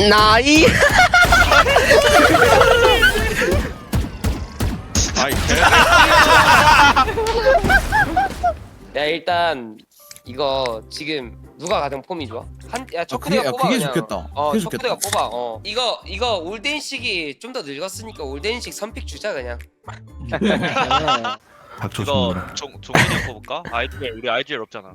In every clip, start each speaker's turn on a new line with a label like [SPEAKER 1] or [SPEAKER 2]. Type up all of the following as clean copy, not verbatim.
[SPEAKER 1] 나이.
[SPEAKER 2] 아이
[SPEAKER 3] 야 일단 이거 지금 누가 가장 폼이 좋아? 야 초크대가 뽑아
[SPEAKER 4] 그게
[SPEAKER 3] 그냥.
[SPEAKER 4] 좋겠다.
[SPEAKER 3] 어
[SPEAKER 4] 그게
[SPEAKER 3] 초크대가
[SPEAKER 4] 좋겠다.
[SPEAKER 3] 뽑아. 이거 올덴식이 좀 더 늙었으니까 올덴식 선픽 주자 그냥.
[SPEAKER 2] 이거 종민이 형 뽑을까? 아이디엘 우리 아이디엘 없잖아.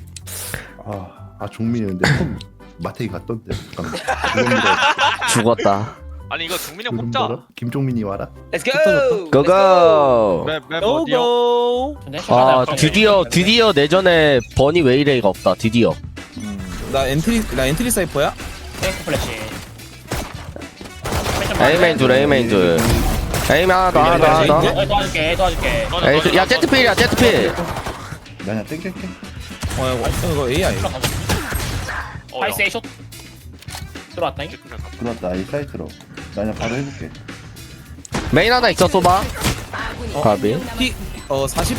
[SPEAKER 5] 종민이 근데 폼 마태이 갔던데. 잠깐만.
[SPEAKER 1] 죽었다.
[SPEAKER 2] 아니 이거 종민이 형 뽑자.
[SPEAKER 5] 김종민이 와라.
[SPEAKER 3] Let's go.
[SPEAKER 1] 고고.
[SPEAKER 2] 맵 어디요?
[SPEAKER 1] 아 드디어 내전에 버니 웨이레이가 없다. 드디어.
[SPEAKER 4] 나 엔트리 사이퍼야?
[SPEAKER 6] 탱크 플래시.
[SPEAKER 1] 에이메인 둘 에이메인 둘. 에이메인 하나 더.
[SPEAKER 6] 도와줄게.
[SPEAKER 1] 에이 야 제트필이야 제트필.
[SPEAKER 5] 나냐 땡길게.
[SPEAKER 4] 이거 AI.
[SPEAKER 6] 파이스 A숏. 들어왔다잉.
[SPEAKER 5] 들어왔다 이 사이트로. 나냐 바로 해볼게.
[SPEAKER 1] 메인 하나 있어 쏘봐. 가비.
[SPEAKER 4] P 40.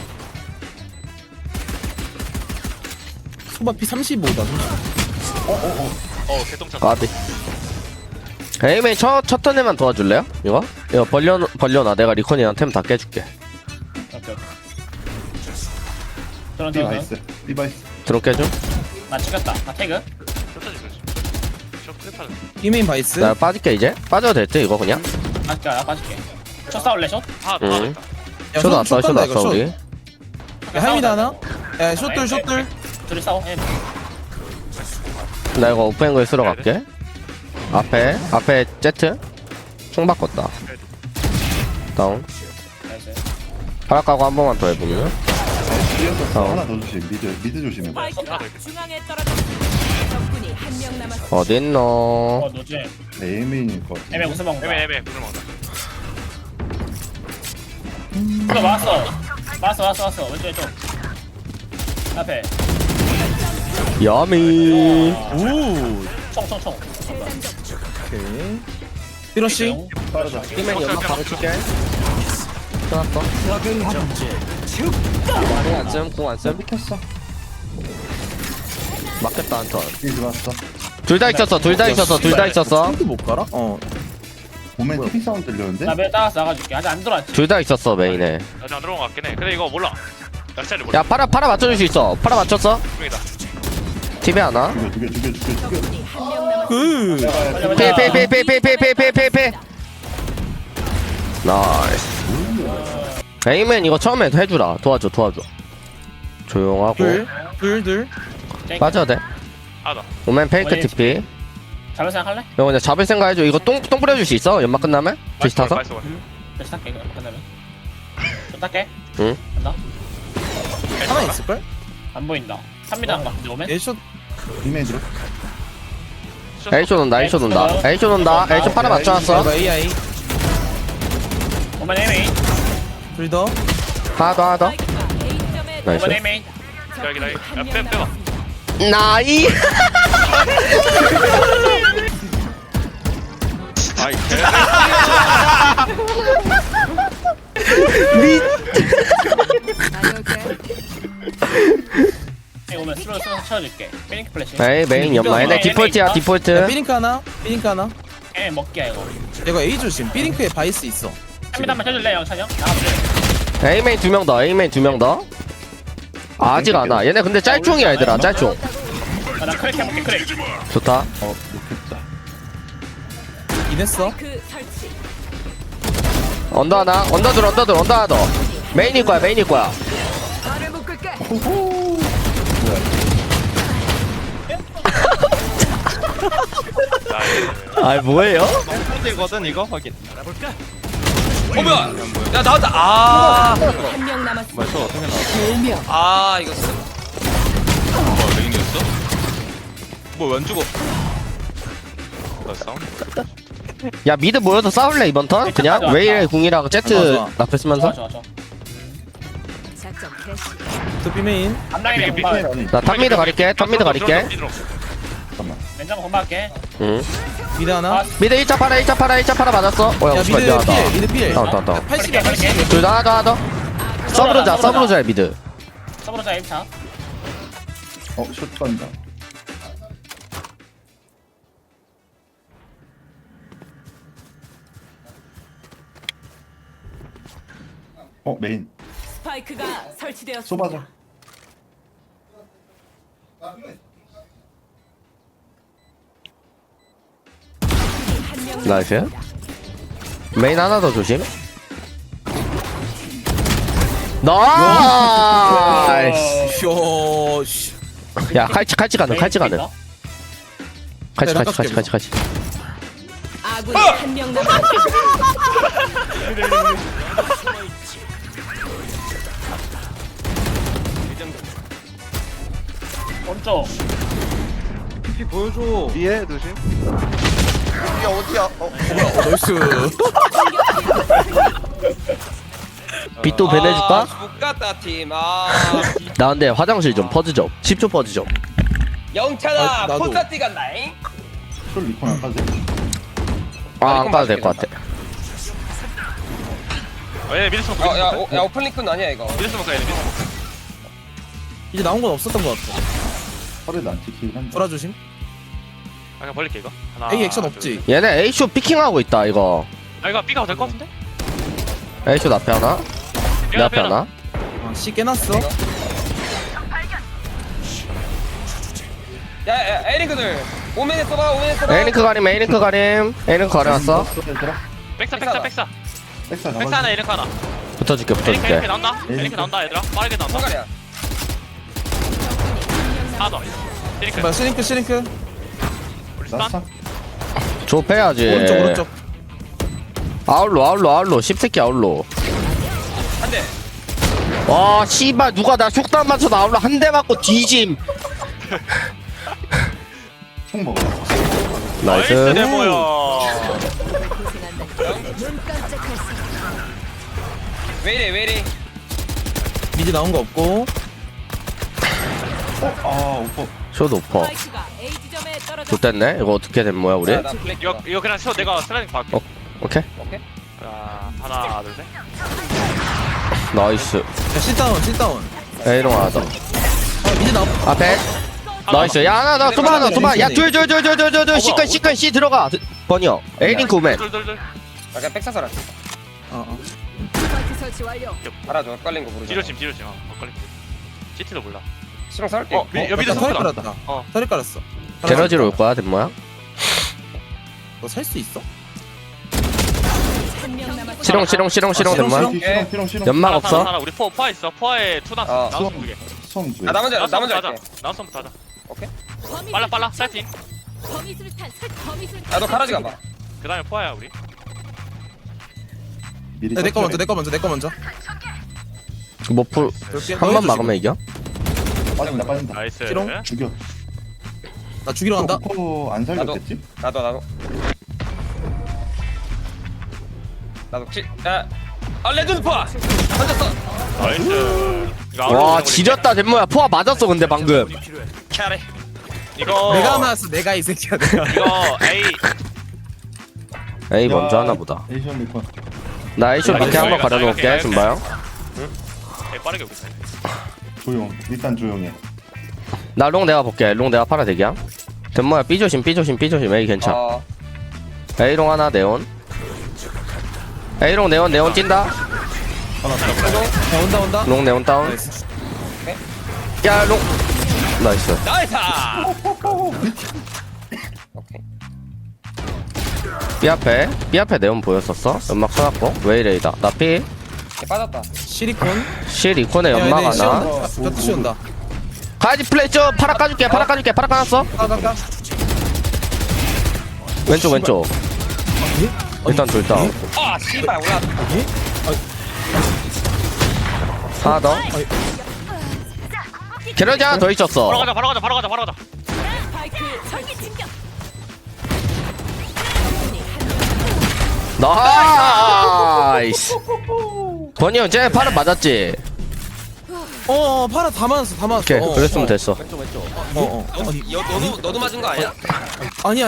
[SPEAKER 4] 소바 P 35다.
[SPEAKER 2] 개똥차.
[SPEAKER 1] 가비. 에이메인 첫 턴에만 도와줄래요? 이거 벌려놔. 내가 리콘이랑 템 다 깨줄게.
[SPEAKER 6] 오케이. 저런
[SPEAKER 5] B 바이스. B 바이스.
[SPEAKER 1] 드론 깨줘.
[SPEAKER 6] 나 찍었다. 나 태그.
[SPEAKER 2] 쇼타지 그렇지. 쇼 크리파는.
[SPEAKER 4] 이메인 바이스.
[SPEAKER 1] 나 빠질게 이제. 빠져도 될 듯 이거 그냥.
[SPEAKER 6] 맞게 나 빠질게. 첫 싸울래 숏?
[SPEAKER 2] 하나
[SPEAKER 1] 응.
[SPEAKER 2] 있다.
[SPEAKER 1] 쇼 났어 쇼 났어 우리.
[SPEAKER 4] 야 하이미다 하나? 야 숏들.
[SPEAKER 6] 둘이 싸워.
[SPEAKER 1] 나 이거 오프앵글 쓰러 갈게. 앞에 제트. 총 바꿨다. 다운.
[SPEAKER 6] 나이스.
[SPEAKER 1] 파라 까고 한 번만 더 해보면.
[SPEAKER 5] 하나 더 조심. 미드 조심해.
[SPEAKER 7] 스파이크가 중앙에 떨어졌습니다. 적군이 한 명 남았습니다.
[SPEAKER 1] 어딨노?
[SPEAKER 6] 노지.
[SPEAKER 5] 에이메인일 것 같아.
[SPEAKER 6] 애매 무슨 먹는 거야?
[SPEAKER 2] 애매 무슨 먹나?
[SPEAKER 6] 이거 왔어. 왼쪽. 앞에.
[SPEAKER 1] 야미.
[SPEAKER 4] 오.
[SPEAKER 6] 총.
[SPEAKER 4] 오케이. 피러시.
[SPEAKER 1] 팀맨 연막 바로 칠게. 끝났어. 말이 안 씀, 궁안 씀.
[SPEAKER 5] 켰어.
[SPEAKER 1] 맞겠다 한 턴.
[SPEAKER 5] B 들어왔어.
[SPEAKER 1] 둘 다 있었어.
[SPEAKER 4] 핑크 못 가라?
[SPEAKER 5] 보면 TV 사운드 들렸는데?
[SPEAKER 6] 나벨 따라서 나가줄게. 아직 안 들어왔지.
[SPEAKER 1] 둘 다 있었어 메인에.
[SPEAKER 2] 아직 안 들어온 것 같긴 해. 근데 이거 몰라. 나 스타일을 몰라.
[SPEAKER 1] 야 파라 맞춰줄 수 있어. 파라 맞췄어?
[SPEAKER 2] 중이다.
[SPEAKER 1] 팀에 하나.
[SPEAKER 5] 죽여.
[SPEAKER 7] 적군이 한 명 남았습니다.
[SPEAKER 1] 페. 나이스. 에이맨 이거 처음에 해주라. 도와줘. 조용하고.
[SPEAKER 4] 둘.
[SPEAKER 1] 빠져야 돼.
[SPEAKER 2] 하나.
[SPEAKER 1] 오멘 페이크 TP.
[SPEAKER 6] 잡을 생각 할래?
[SPEAKER 1] 이거 그냥 잡을 생각 해줘. 이거 똥 뿌려줄 수 있어? 연막 끝나면? 다시 타서?
[SPEAKER 6] 다시 탈게. 이거 끝나면. 좀 탈게.
[SPEAKER 1] 응.
[SPEAKER 6] 간다.
[SPEAKER 4] 하나 있을걸?
[SPEAKER 6] 안 보인다. 3m 안 가. 오면.
[SPEAKER 4] 에이숏.
[SPEAKER 5] 이메인 들어.
[SPEAKER 1] A쇼 논다. A쇼 파라 맞춰놨어.
[SPEAKER 4] 이거 AI.
[SPEAKER 6] 오면 에메인.
[SPEAKER 4] 둘 더.
[SPEAKER 1] 하나 더.
[SPEAKER 7] 스파이크가 A점에
[SPEAKER 1] 나이스.
[SPEAKER 6] 오면 에메인.
[SPEAKER 2] 여기
[SPEAKER 7] 적군이 한 명
[SPEAKER 2] 빼봐.
[SPEAKER 7] 남았습니다.
[SPEAKER 1] 나이.
[SPEAKER 2] 아이
[SPEAKER 6] 오면 스로 쳐줄게. 피닉 플래시.
[SPEAKER 1] 메인 연마. 얘네 디폴트야 디폴트.
[SPEAKER 4] 삐링크 하나.
[SPEAKER 6] 에메 먹기야 이거.
[SPEAKER 4] 이거 A 조심. 삐링크에 바이스 있어.
[SPEAKER 6] 3m만 쳐줄래 영찬이 형? 나가볼래?
[SPEAKER 1] A메인 2명 더. 아직 안 와. 얘네 근데 짤총이야 얘들아 짤총.
[SPEAKER 6] 나 크랙 해볼게 크랙.
[SPEAKER 1] 좋다.
[SPEAKER 5] 못했다.
[SPEAKER 4] 이냈어.
[SPEAKER 7] 스파이크 설치.
[SPEAKER 1] 언더 하나. 언더 하나 더. 메인일 거야.
[SPEAKER 7] 말을 묶을게.
[SPEAKER 1] 아 뭐예요?
[SPEAKER 2] 상대거든 이거 확인.
[SPEAKER 3] 뭐야? 야 나왔다. 아
[SPEAKER 7] 한 명 남았습니다. 대명.
[SPEAKER 3] 이거
[SPEAKER 2] 뭐 레인이었어? 뭐안 죽어? 나 싸우는 거야.
[SPEAKER 1] 야 미드 모여서 싸울래 이번 턴? 그냥 웨이의 궁이랑 제트
[SPEAKER 4] 좋아.
[SPEAKER 1] 라페 쓰면서.
[SPEAKER 6] 좋아.
[SPEAKER 7] 작전 개시.
[SPEAKER 4] 또 B메인.
[SPEAKER 6] 암라인에
[SPEAKER 2] 삐-
[SPEAKER 6] 공방.
[SPEAKER 5] 아니
[SPEAKER 1] 나 탑미드 가릴게.
[SPEAKER 2] 잠깐만.
[SPEAKER 6] 맨장 공방할게.
[SPEAKER 1] 응.
[SPEAKER 4] 미드 하나.
[SPEAKER 1] 미드 1차 파라 맞았어.
[SPEAKER 4] 야
[SPEAKER 1] 야
[SPEAKER 4] 미드
[SPEAKER 1] 미안하다.
[SPEAKER 4] 필. 미드 필.
[SPEAKER 1] 다운.
[SPEAKER 4] 80이야 80.
[SPEAKER 1] 둘 다 하나 더. 서브로자 미드.
[SPEAKER 6] 서브로자 1차.
[SPEAKER 5] 슛 간다. 메인
[SPEAKER 7] 스파이크가 설치되었습니다.
[SPEAKER 5] 쏘봐자.
[SPEAKER 7] 한명
[SPEAKER 1] 나이스. 메인 하나 더 조심. 나이스.
[SPEAKER 4] 쇼. 씨.
[SPEAKER 1] 야 칼치 가능. 칼치 가능. 칼치.
[SPEAKER 7] 아군이 한명 남았습니다.
[SPEAKER 6] 오른쪽.
[SPEAKER 8] 뒤에 조심.
[SPEAKER 4] 나이스.
[SPEAKER 1] 빛도 배내줄까?
[SPEAKER 3] 죽겠다 팀.
[SPEAKER 1] 나 근데 화장실 좀 퍼즈 좀 10초 퍼즈 좀.
[SPEAKER 3] 영찬아
[SPEAKER 4] 아, 나도.
[SPEAKER 3] 폰사티 간다잉.
[SPEAKER 5] 술 리콘 안 까지.
[SPEAKER 1] 안 가도 될 것 같아.
[SPEAKER 2] 얘네 미드 스모크.
[SPEAKER 3] 야 오픈링크는 아니야 이거.
[SPEAKER 2] 미드 스모크 얘네 미드 스모크.
[SPEAKER 4] 이제 나온 건 없었던 것 같아.
[SPEAKER 5] 허리도 안 찍히긴 한데.
[SPEAKER 4] 돌아 조심.
[SPEAKER 2] 그냥 벌릴게 이거. 하나.
[SPEAKER 4] A 액션
[SPEAKER 2] 둘,
[SPEAKER 4] 없지.
[SPEAKER 1] 얘네 A쇼 피킹하고 있다 이거.
[SPEAKER 2] 이거 B가 될것 같은데?
[SPEAKER 1] A쇼 앞에 하나. 내 앞에 하나.
[SPEAKER 4] C 깨놨어.
[SPEAKER 3] 야 에리그들 오면에 써봐.
[SPEAKER 1] A링크 가림. A링크 가려놨어.
[SPEAKER 2] 백사.
[SPEAKER 5] 백사
[SPEAKER 2] 백사
[SPEAKER 5] 잡아.
[SPEAKER 2] 하나 에릭 하나.
[SPEAKER 1] 붙어줄게.
[SPEAKER 2] 에릭 나온다. 에릭 나온다 얘들아. 빠르게 나온다.
[SPEAKER 3] 손가리야.
[SPEAKER 2] 하나 더. 에릭.
[SPEAKER 4] 뭐야 시링크.
[SPEAKER 2] 우리 스탄.
[SPEAKER 5] 나스타.
[SPEAKER 1] 좁혀야지.
[SPEAKER 4] 오른쪽.
[SPEAKER 1] 아울로 씹새끼 아울로.
[SPEAKER 3] 한 대.
[SPEAKER 1] 와 씨발 누가 나 속담 맞춰 아울로 한 대 맞고 뒤짐.
[SPEAKER 5] 총 먹어.
[SPEAKER 2] 나이스
[SPEAKER 1] 나이스.
[SPEAKER 2] 데모야.
[SPEAKER 3] 왜 이래.
[SPEAKER 4] 미드 나온 거 없고.
[SPEAKER 5] 오퍼.
[SPEAKER 1] 쇼도 오퍼.
[SPEAKER 7] 스파이크가 A 지점에 떨어졌습니다.
[SPEAKER 1] 좋댔네. 이거 어떻게 된 거야 우리?
[SPEAKER 3] 나 블랙.
[SPEAKER 2] 이거 그냥 쳐 내가 슬라이딩 받게.
[SPEAKER 1] 오케이.
[SPEAKER 3] 오케이.
[SPEAKER 2] 자, 하나 둘 셋.
[SPEAKER 1] 나이스.
[SPEAKER 4] 야 C 다운.
[SPEAKER 1] A롱 하나 더.
[SPEAKER 4] 미드 나온.
[SPEAKER 1] 앞에. 나이스. 야 하나 더. 소바 하나. 소바. 야 둘. 시컨 C 들어가. 번이요. A링크 오맨.
[SPEAKER 2] 둘.
[SPEAKER 3] 약간 백사서라.
[SPEAKER 7] 스파이크 설치 완료.
[SPEAKER 3] 알아줘. 헷갈린 거 모르잖아.
[SPEAKER 2] 뒤로 침. 엇갈리. CT도 몰라.
[SPEAKER 3] 시동 살게.
[SPEAKER 2] 여기
[SPEAKER 4] 털이
[SPEAKER 2] 스모크
[SPEAKER 4] 깔았다.
[SPEAKER 2] 나왔다. 어.
[SPEAKER 4] 털이 깔았어.
[SPEAKER 1] 게러지로 올 거야 덴모야.
[SPEAKER 4] 너살 수 있어?
[SPEAKER 7] 한명 남았습니다.
[SPEAKER 1] 시롱 덴모야.
[SPEAKER 5] 시롱.
[SPEAKER 1] 연막 없어?
[SPEAKER 2] 하나 우리 포 있어. 포에 투나. 나왔어 두 개.
[SPEAKER 5] 수험 두 개.
[SPEAKER 3] 나 먼저 할게.
[SPEAKER 2] 나왔으면 하자.
[SPEAKER 7] 범위
[SPEAKER 2] 빨라 세팅.
[SPEAKER 7] 범위술탄 범위술탄.
[SPEAKER 3] 야너 가라지 가봐.
[SPEAKER 2] 그다음에 포야 우리.
[SPEAKER 5] 미리
[SPEAKER 4] 내 거 먼저.
[SPEAKER 1] 뭐풀 한 번 막으면 이겨?
[SPEAKER 5] 빠진다.
[SPEAKER 2] 나이스.
[SPEAKER 4] 시롱?
[SPEAKER 5] 죽여.
[SPEAKER 4] 나 죽이러 간다.
[SPEAKER 5] 오퍼 안 살렸겠지?
[SPEAKER 3] 나도. 야. 레전드 포. 던졌어.
[SPEAKER 2] 나이스. 이거 아웃로
[SPEAKER 1] 와
[SPEAKER 2] 보내고
[SPEAKER 1] 지렸다 덴모야. 포화 맞았어 근데 방금.
[SPEAKER 3] 캐리.
[SPEAKER 2] 이거
[SPEAKER 4] 내가 맞았어. 내가 이 새끼야. 내가.
[SPEAKER 2] 이거 A
[SPEAKER 1] 에이 먼저 하나 보다.
[SPEAKER 5] 에이션 리콘.
[SPEAKER 1] 나 A쇼 밑에 한번 가려놓을게 준바형.
[SPEAKER 2] A 빠르게 오겠다.
[SPEAKER 5] 조용. 일단 조용해.
[SPEAKER 1] 나 롱 내가 볼게. 롱 내가 팔아 대기야. 덴모야 B 조심. A 괜찮아. A롱 하나 네온. A롱 네온 찐다.
[SPEAKER 4] 야 온다.
[SPEAKER 1] 롱 네온 다운.
[SPEAKER 4] 나이스.
[SPEAKER 1] 야 롱. 나이스.
[SPEAKER 3] 나이스. 오케이.
[SPEAKER 1] B 앞에 네온 보였었어. 연막 쏘았고 웨이레이다. 나 B.
[SPEAKER 3] 얘 빠졌다.
[SPEAKER 4] 시리콘.
[SPEAKER 1] C 리콘에 연막 하나.
[SPEAKER 4] 벽 씌운다.
[SPEAKER 1] 가야지 플레이 좀 파라 까줄게. 파라 까놨어.
[SPEAKER 4] 가.
[SPEAKER 1] 왼쪽. 일단 둘 다운.
[SPEAKER 3] 아 씨발 올라.
[SPEAKER 1] 하나 더. 게러지 하나 더 있었어.
[SPEAKER 2] 바로 가자.
[SPEAKER 7] 스파이크 설치 진격.
[SPEAKER 1] 나이스. 번이 형 쟤 파라 맞았지?
[SPEAKER 4] 파라 다 맞았어.
[SPEAKER 1] 오케이 그랬으면 됐어.
[SPEAKER 3] 너도 맞은 거 아니야?
[SPEAKER 4] 아니.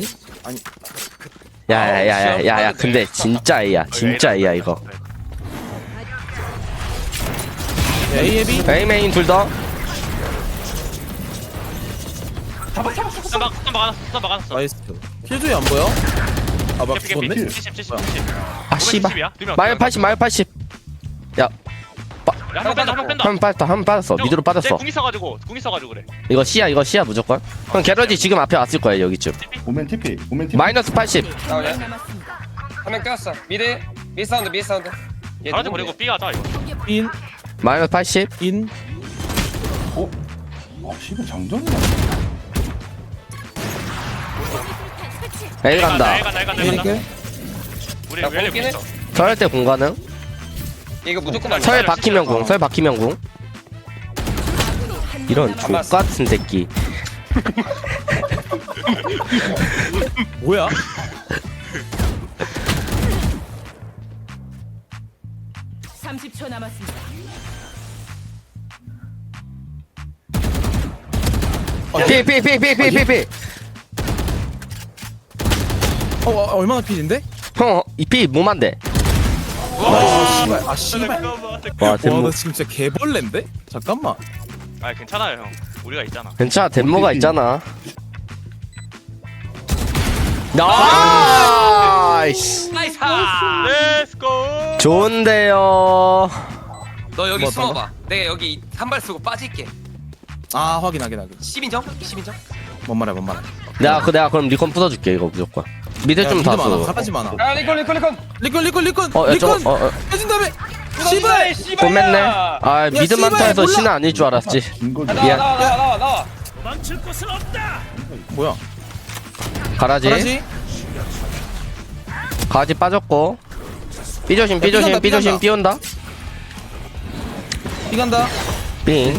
[SPEAKER 1] 야야야야야 근데 진짜 A야 이거.
[SPEAKER 4] A B.
[SPEAKER 1] A 메인 둘 더.
[SPEAKER 2] 스탄 막았어.
[SPEAKER 4] 나이스. 킬조이 안 보여? 아 막
[SPEAKER 2] 개피.
[SPEAKER 4] 죽었네.
[SPEAKER 2] 70.
[SPEAKER 1] 아 씨발.
[SPEAKER 2] 70이야?
[SPEAKER 1] 마이어 80. 야
[SPEAKER 2] 한명 뺀다 한명 뺀다.
[SPEAKER 1] 한 번 빠졌다 한 번 빠졌어 미드로 빠졌어.
[SPEAKER 2] 궁 있어가지고 그래.
[SPEAKER 1] 이거 C야 무조건. 형 게러지 지금 앞에 왔을 거야 여기쯤.
[SPEAKER 5] 오멘 TP 오멘 TP
[SPEAKER 1] 마이너스 80.
[SPEAKER 3] 나오냐?
[SPEAKER 7] 남았습니다.
[SPEAKER 3] 한 명 꼈어. 미드 사운드 얘
[SPEAKER 2] 가라지
[SPEAKER 3] 누군데?
[SPEAKER 2] 버리고 B 하자 이거.
[SPEAKER 4] 인,
[SPEAKER 1] 마이너스 80.
[SPEAKER 4] 인.
[SPEAKER 5] 아 씨발 장전이야
[SPEAKER 1] A 간다.
[SPEAKER 2] A 간다.
[SPEAKER 4] 이렇게.
[SPEAKER 2] 우리
[SPEAKER 3] 야,
[SPEAKER 2] 웰리
[SPEAKER 3] 공기네?
[SPEAKER 2] 있어.
[SPEAKER 1] 설할 때 공가능.
[SPEAKER 3] 이거 무조건 맞아.
[SPEAKER 1] 설 박히면 궁. 설 박히면 궁. 이런 족
[SPEAKER 3] 봤어.
[SPEAKER 1] 같은 새끼.
[SPEAKER 4] 뭐야?
[SPEAKER 7] (30초) 남았습니다.
[SPEAKER 1] 피.
[SPEAKER 4] 얼마나 필인데?
[SPEAKER 1] 형이피 몸한데.
[SPEAKER 4] 아 씨발.
[SPEAKER 1] 와
[SPEAKER 4] 와,
[SPEAKER 1] 덴모.
[SPEAKER 4] 너 진짜 개벌레인데? 잠깐만.
[SPEAKER 2] 아 괜찮아요 형. 우리가 있잖아.
[SPEAKER 1] 괜찮아 덴모가 있잖아. 나이스.
[SPEAKER 3] 나이스.
[SPEAKER 2] 렛츠고.
[SPEAKER 1] 좋은데요.
[SPEAKER 3] 너 여기
[SPEAKER 4] 뭐,
[SPEAKER 3] 숨어봐. 내가 여기 한 발 쓰고 빠질게.
[SPEAKER 4] 아, 확인.
[SPEAKER 3] 10인정? 10인정?
[SPEAKER 4] 뭔 말해.
[SPEAKER 1] 내가 그럼 리콘 부숴줄게 이거 무조건. 미드 좀
[SPEAKER 4] 미드 많아.
[SPEAKER 1] 다수.
[SPEAKER 4] 가라지 많아.
[SPEAKER 3] 아 리콘.
[SPEAKER 4] 리콘.
[SPEAKER 1] 야, 저거,
[SPEAKER 4] 해준 다음에. 씨발.
[SPEAKER 1] 고맨네. 아 미드
[SPEAKER 4] 씨발,
[SPEAKER 1] 많다 해서
[SPEAKER 4] 몰라.
[SPEAKER 1] 신은 아닐 줄 알았지.
[SPEAKER 5] 긴 거지
[SPEAKER 1] 미안.
[SPEAKER 3] 나와.
[SPEAKER 4] 뭐야?
[SPEAKER 1] 가라지. 가라지 빠졌고. 삐조심
[SPEAKER 4] 삐간다.
[SPEAKER 1] 삐온다.
[SPEAKER 4] 이 간다.
[SPEAKER 1] 삥.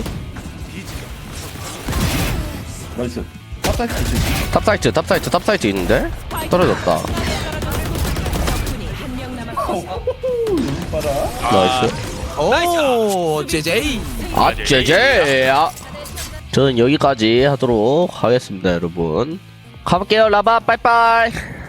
[SPEAKER 5] 나이스 탑사이트
[SPEAKER 1] 탑사이트 있는데? 떨어졌다.
[SPEAKER 7] 적군이 한명 남았습니다.
[SPEAKER 1] 나이스.
[SPEAKER 4] 오, 제제이.
[SPEAKER 1] 아, 제제. 저는 여기까지 하도록 하겠습니다, 여러분. 가볼게요, 라바. 빠이빠이.